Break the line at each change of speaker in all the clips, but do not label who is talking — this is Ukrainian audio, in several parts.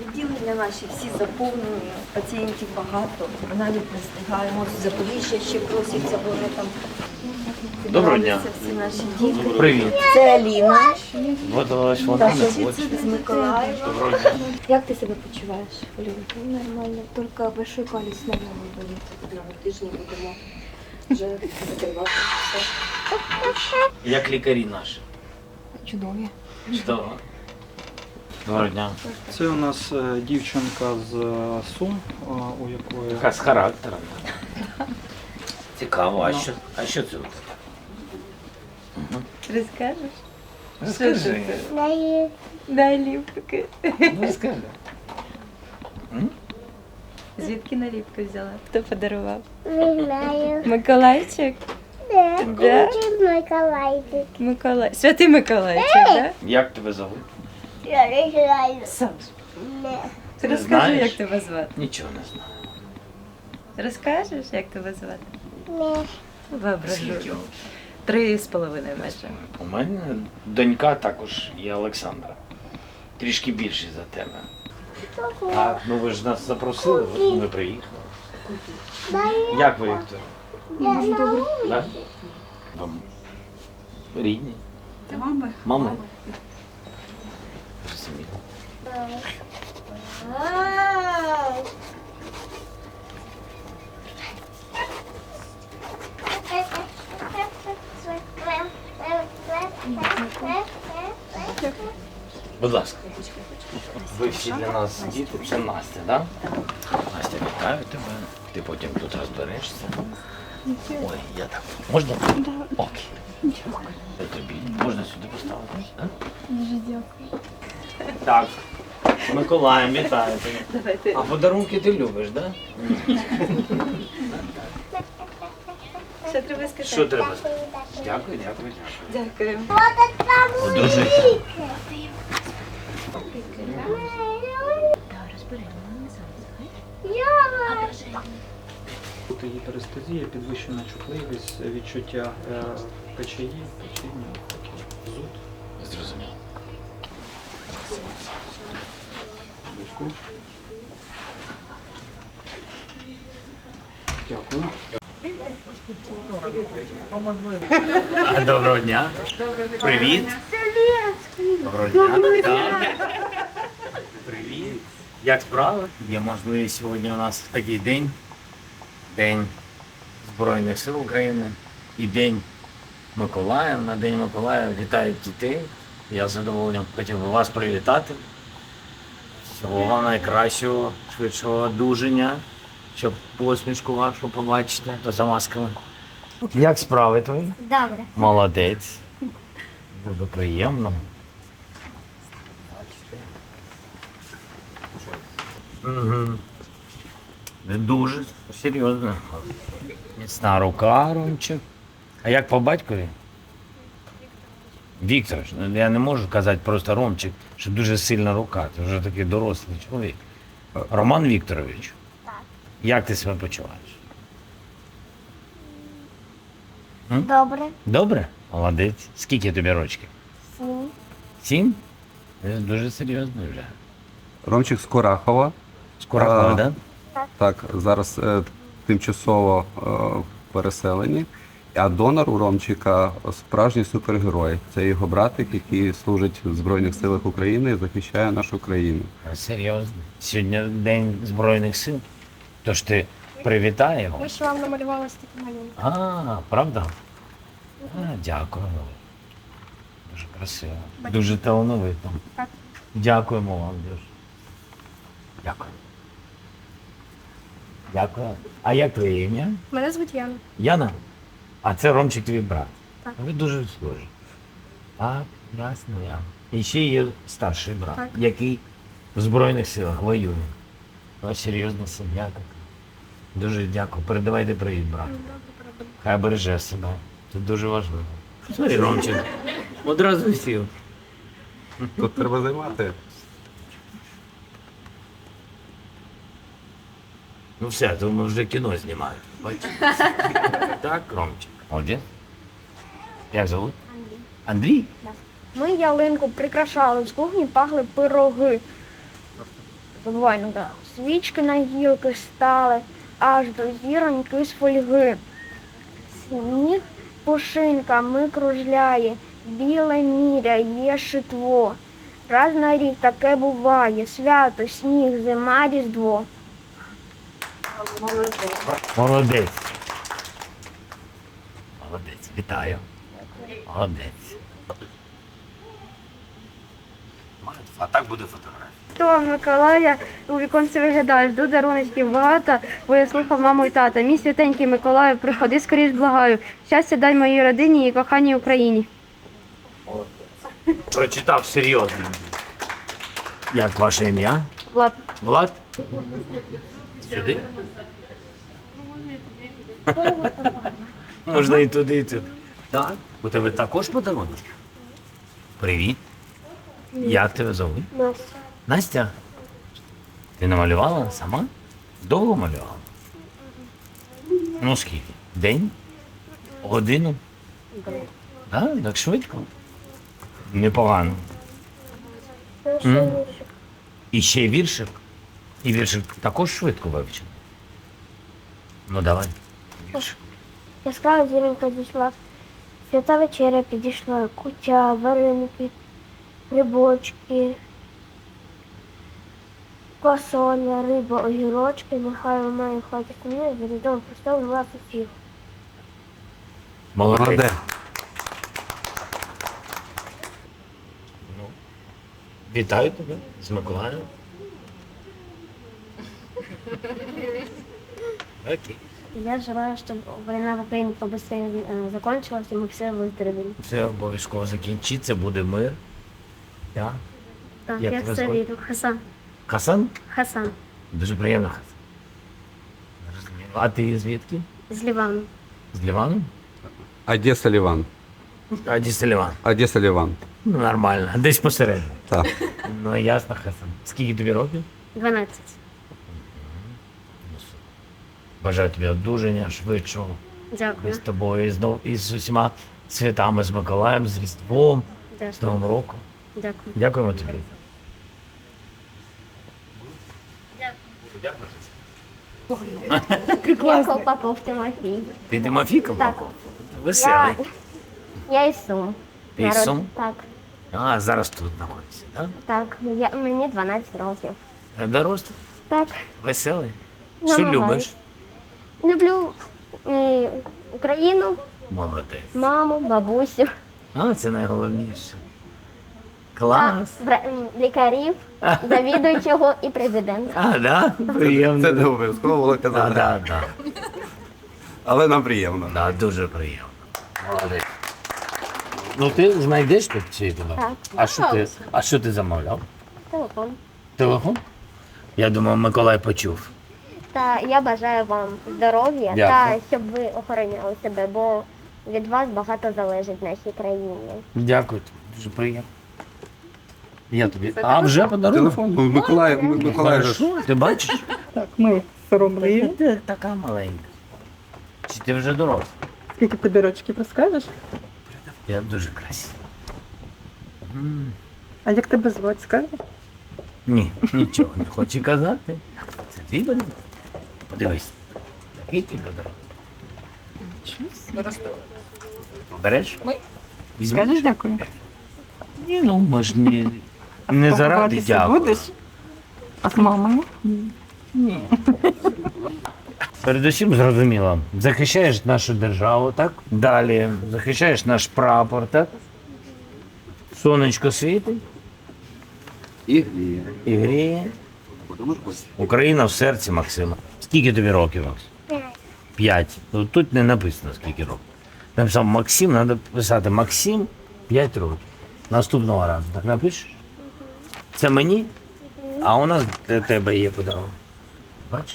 Відділення наші всі заповнені, пацієнтів багато, навіть не встигаємо. З Запоріжжя ще просяться, бо вони там
Доброго дня.
всі наші діти.
Привіт.
Це Аліна,
Вот ось вона
з Миколаєва.
Доброго дня.
Як ти себе почуваєш, Олівка? Нормально, тільки большой палець снова не болить. На тижні будемо вже закривати.
Як лікарі наші?
Чудові.
Чудово. Доброго дня.
Це у нас дівчинка з Сум, у якої
Така з характером. Цікаво, а що це?
Розкажеш?
Розкажи.
Наліпки.
Розкажи.
Звідки наліпки взяла? Хто подарував?
Не знаю.
Миколайчик?
Да.
Да?
Миколайчик.
Миколай. Святий Миколайчик, так?
Як тебе зовут?
Я не знаю.
Саш,
Не.
ти
Не
розкажи,
знаєш?
як тебе звати.
Нічого не знаю.
Розкажеш, як тебе звати?
Не.
Воображу.
Скільки?
3,5 майже.
У мене донька також є Олександра. Трішки більший за тебе. Так, ну ви ж нас запросили, от ми приїхали. Як ви, Віктор? Так? Вам рідні?
Це мами?
Мами? Розумію. Будь ласка. Ви всі для нас діти, це Настя, так? Настя, вітаю тебе. Ти потім тут розберешся. Ой, я так. Можна? Окей. Це тобі. Можна сюди поставити? Так?
Дуже дякую.
Так. З Миколаєм, вітаю тебе.
Давайте.
А подарунки ти любиш, так?
Що треба сказати?
Що треба? Дякую, дякую, дякую.
Дякую.
Одружуйся.
тут гіперестезія, підвищена чутливість, відчуття печії, печіння, зуд.
Зрозумів.
Дякую.
Доброго дня. Привіт. Доброго дня. Так. Привіт. Як справи? Є можливість сьогодні у нас такий день. День Збройних сил України і День Миколая. На День Миколая вітають дітей. Я з задоволенням хотів би вас привітати. Всього вам найкращого, швидшого одужання, щоб посмішку вашу побачити за масками. Як справи твої?
Добре.
Молодець. Дуже приємно. Угу. Дуже серйозно. Міцна рука, Ромчик. А як по батькові? Віктор, я не можу казати просто Ромчик, що дуже сильна рука. Ти вже такий дорослий чоловік. Роман Вікторович.
Так.
Як ти себе почуваєш?
Добре.
Добре? Молодець. Скільки тобі рочків?
7.
7? Це дуже серйозно вже.
Ромчик з Курахова.
Скоро,
А,
так?
Так, зараз тимчасово переселені. А донор у Ромчика справжній супергерой. Це його братик, який служить в Збройних силах України і захищає нашу країну.
Серйозно. Сьогодні День Збройних сил. Тож ти привітай його.
Ми ж вам намалювали ось такі малюнки.
А, правда? Дякую. Дуже красиво. Дуже талановито.
Так.
Дякуємо вам дуже. Дякую. Дякую. А як твоє ім'я?
Мене звуть Яна.
Яна? А це Ромчик твій брат.
Так.
Ви дуже схожі. Так, ясно, Яна. І ще є старший брат,
Так.
який в Збройних силах воює. Ну, серйозна сім'я така. Дуже дякую. Передавайте привіт, брат. Хай береже себе. Це дуже важливо. Смотри, Ромчик. Одразу сів.
Тут треба займати.
Ну все, то ми вже кіно знімаємо. Бачиш? Так, Ромчик. Молодець. Як зовут? Андрій?
Ми ялинку прикрашали, з кухні пахли пироги. Забувай, ну так. Свічки на гілки стали, аж до зіроньки з фольги. Сніг пушинками кружляє, біле міря є шитво. Раз на рік таке буває, свято, сніг, зима, різдво.
Молодець. Молодець, вітаю. Молодець. А так буде фотографія.
То Миколая у віконці виглядає, жду даруночків багато, бо я слухав маму і тата. Мій святенький Миколаю, приходи скоріш, благаю. Щастя дай моїй родині і коханій Україні.
Прочитав серйозно. Як ваше ім'я?
Влад.
Влад? Сюди? Можна і туди, і туди. Так. У тебе також подарунок? Привіт. Як тебе зовуть?
Настя.
Настя? Ти намалювала сама? Довго малювала? Ну скільки? День? Годину? Так швидко? Непогано. І ще й віршик? І віршик також швидко вивчив? Ну давай. Віршик.
Яскрава зіронька зійшла, свята вечеря підійшла, куття, вареники, грибочки, квасоля, риба, огірочки, нехай вона в хаті сумує, за різдвом Христом вас усіх.
Молодець. Ну, вітаю тебе з Миколаєм. Окей.
Я желаю, щоб війна в Україні побыстрее закончилась, і ми всі виздоровіли.
Все обов'язково закінчиться, буде мир. Так?
Так,
Як
я
тебе
все
звати?
вірю. Хасан.
Хасан?
Хасан.
Дуже приємно, Хасан. Зрозуміло. А ти звідки?
З Лівану.
З Лівану?
Одеса Ліван.
Одеса Ліван.
Одеса Ліван.
Ну, нормально. Десь посередині.
Так.
Ну, ясно, Хасан. Скільки тобі років?
12.
Бажаю тобі одужання, швидшого. Ми
Дякую.
з тобою і знов і з усіма святами, з Миколаєм, з Різдвом, з
Дякую.
Новим роком.
Дякую.
Дякуємо тобі.
Я Попов Тимофій.
Ти Тимофійко?
Так.
Веселий.
Я із Сум.
Ти із Сум?
Так.
А, зараз тут знаходишся, так?
Так. Мені 12 років.
Дорослий,
Так.
веселий. Що
Намагаюсь.
любиш?
Люблю Україну,
Молодець.
маму, бабусю,
А, це найголовніше. Клас.
лікарів, завідуючого і президента.
А, да? Приємно.
Це не обов'язково було
Да,
казати.
да, да.
Але нам приємно.
Да, дуже приємно. Молодець. Ну ти знайдеш тут цей подарунок?
Так.
А що ти замовляв?
Телефон.
Телефон? Я думав, Миколай почув.
Та я бажаю вам здоров'я
Дякую.
та щоб ви охороняли себе, бо від вас багато залежить в нашій країні.
Дякую, дуже приємно. Я тобі. А вже подарунок?
Телефон. Ну, Миколай же.
Хорошо, ти бачиш?
Так, ми соромливі.
Ти така маленька. Чи ти вже доросла?
Скільки тобі рочків розкажеш?
Я дуже красива.
А як тебе звати, скажеш?
Ні, нічого не хочу казати. Це твій подарунок? Подивись. Який твій подарунок? Береш? Візьмеш?
Скажеш дякую.
Ні, ну ми ж не заради
Поховатися
дякую.
будеш? А з мамою?
Передусім зрозуміло, захищаєш нашу державу, так? Далі захищаєш наш прапор, так? Сонечко світить
І гріє.
і гріє. Україна в серці, Максима. Скільки тобі років, Макс? 5. Ну, тут не написано, скільки років. Там сам Максим, треба писати Максим 5 років. Наступного разу. Так напишеш? Це мені, а у нас для тебе є подарунок. Бачиш?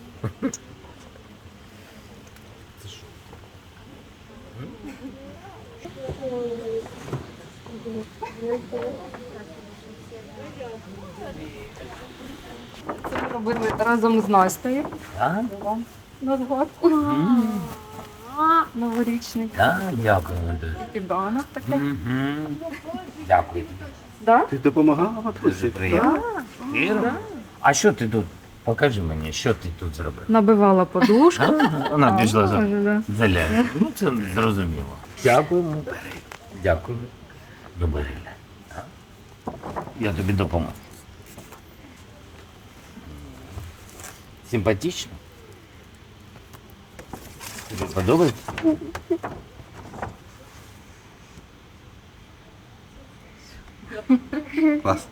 Це ми робили разом з Настею.
Так?
На згод. Новорічний.
Так, дякую. дуже.
Піданок таке.
Мгм. Дякую тобі.
Да?
Ти допомагала
Дуже приємно. Вірно? А що ти тут? Покажи мені, що ти тут зробив.
Набивала подушку.
Вона пішла за
Може, да.
заляє. Ну, це зрозуміло. Дякуємо. Дякую. Добре. Я тобі допоможу. Симпатично? Тобі подобається?
Клас.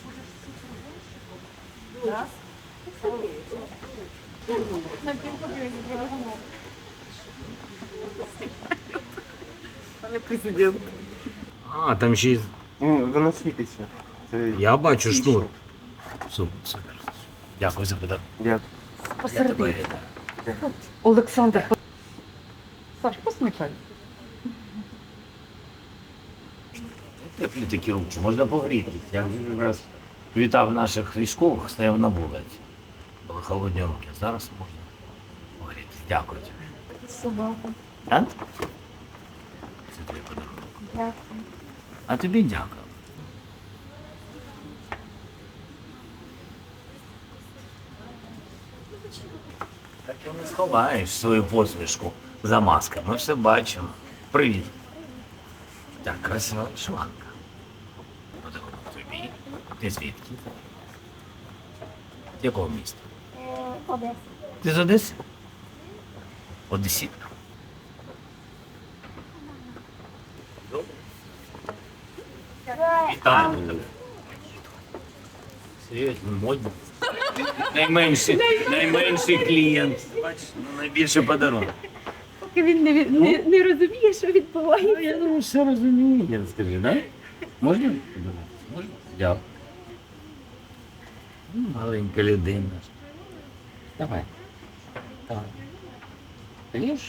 А, там ще й...
Воно світиться. Це
Я бачу шнур. Супер, супер. Дякую за подарунок.
я
Я тебе вітаю.
Олександр, Саш, посміхай.
Теплі такі руки, можна погрітися. Я вже раз вітав наших військових, стояв на вулиці. Були холодні руки. Зараз можна погрітися. Дякую тобі.
Собака.
А? Це твій подарунок.
Дякую.
А тобі дякую. Так і не сховаєш свою посмішку за масками. Ми все бачимо. Привіт. Так, красива вишиванка. Подарунок тобі. Ти звідки? З якого міста?
Одеса.
Ти з Одеси? Одесітка. Добре. Вітаю тебе. Серйозно, модно. Найменший клієнт. Бачиш, найбільший подарунок.
Поки він не розуміє, що відбувається.
Я думаю, все розуміє, скажи, да? Можна? Можна? Дякую. Маленька людина. Давай. Давай. Ліж?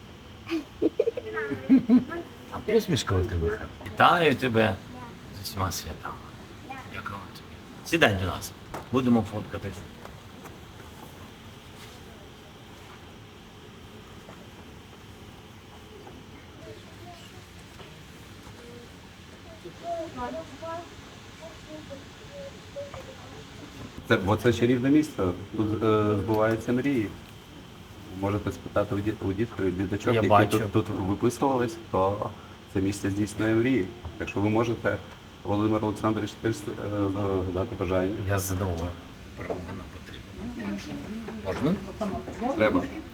А посмішка у тебе. Вітаю тебе з усіма святами. Дякую тобі. Сідай до нас. Будемо фоткатись.
Бо це чарівне місце. Тут збуваються мрії. Можете спитати у діток,
Я
які
бачу.
тут виписувались, то це місце здійснює мрії. Якщо ви можете, Володимир Олександрович, теж дати бажання.
Я задоволений. Правда, потрібно. Можна?
Треба.